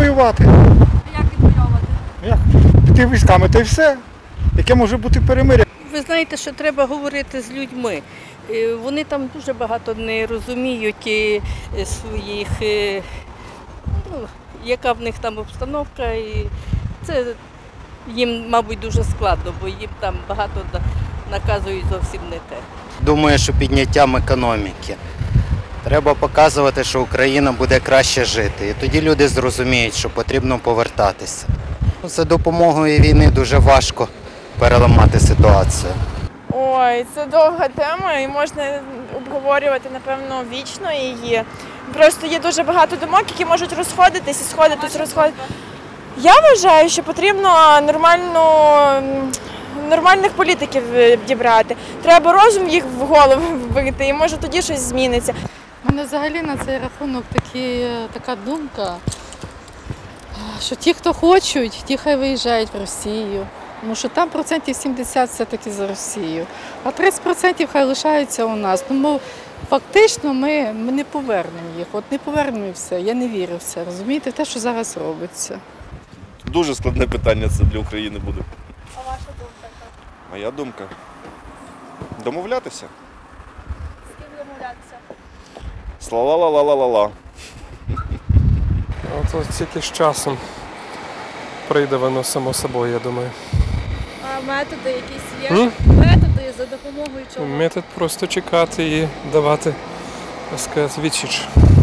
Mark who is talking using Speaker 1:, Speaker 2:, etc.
Speaker 1: воювати.
Speaker 2: Як відвоювати?
Speaker 1: Як? Піти військами, та й все. Яке може бути перемир'я?
Speaker 3: Ви знаєте, що треба говорити з людьми. Вони там дуже багато не розуміють своїх, яка в них там обстановка. І це їм, мабуть, дуже складно, бо їм там багато наказують зовсім не те.
Speaker 4: Думаю, що підняттям економіки. Треба показувати, що Україна буде краще жити. І тоді люди зрозуміють, що потрібно повертатися. За допомогою війни дуже важко переламати ситуацію.
Speaker 5: Ой, це довга тема і можна обговорювати, напевно, вічно її. Просто є дуже багато думок, які можуть розходитись і сходитись. Я вважаю, що потрібно нормальних політиків дібрати. Треба розум їх в голову вбити і може тоді щось зміниться.
Speaker 6: У мене взагалі на цей рахунок така думка, що ті, хто хочуть, ті хай виїжджають в Росію. Тому що там 70% все-таки за Росію, а 30% хай лишаються у нас. Тому фактично ми не повернемо їх. От не повернемо і все. Я не вірю в це, розумієте, в те, що зараз робиться.
Speaker 7: Дуже складне питання це для України буде.
Speaker 5: А ваша думка?
Speaker 7: Моя думка? Домовлятися.
Speaker 5: З ким домовлятися?
Speaker 7: Сла-ла-ла-ла-ла-ла.
Speaker 8: От тільки з часом прийде воно само собою, я думаю.
Speaker 5: А методи якісь є? Методи, за допомогою чого?
Speaker 8: Метод просто чекати і давати, так сказати, відсіч.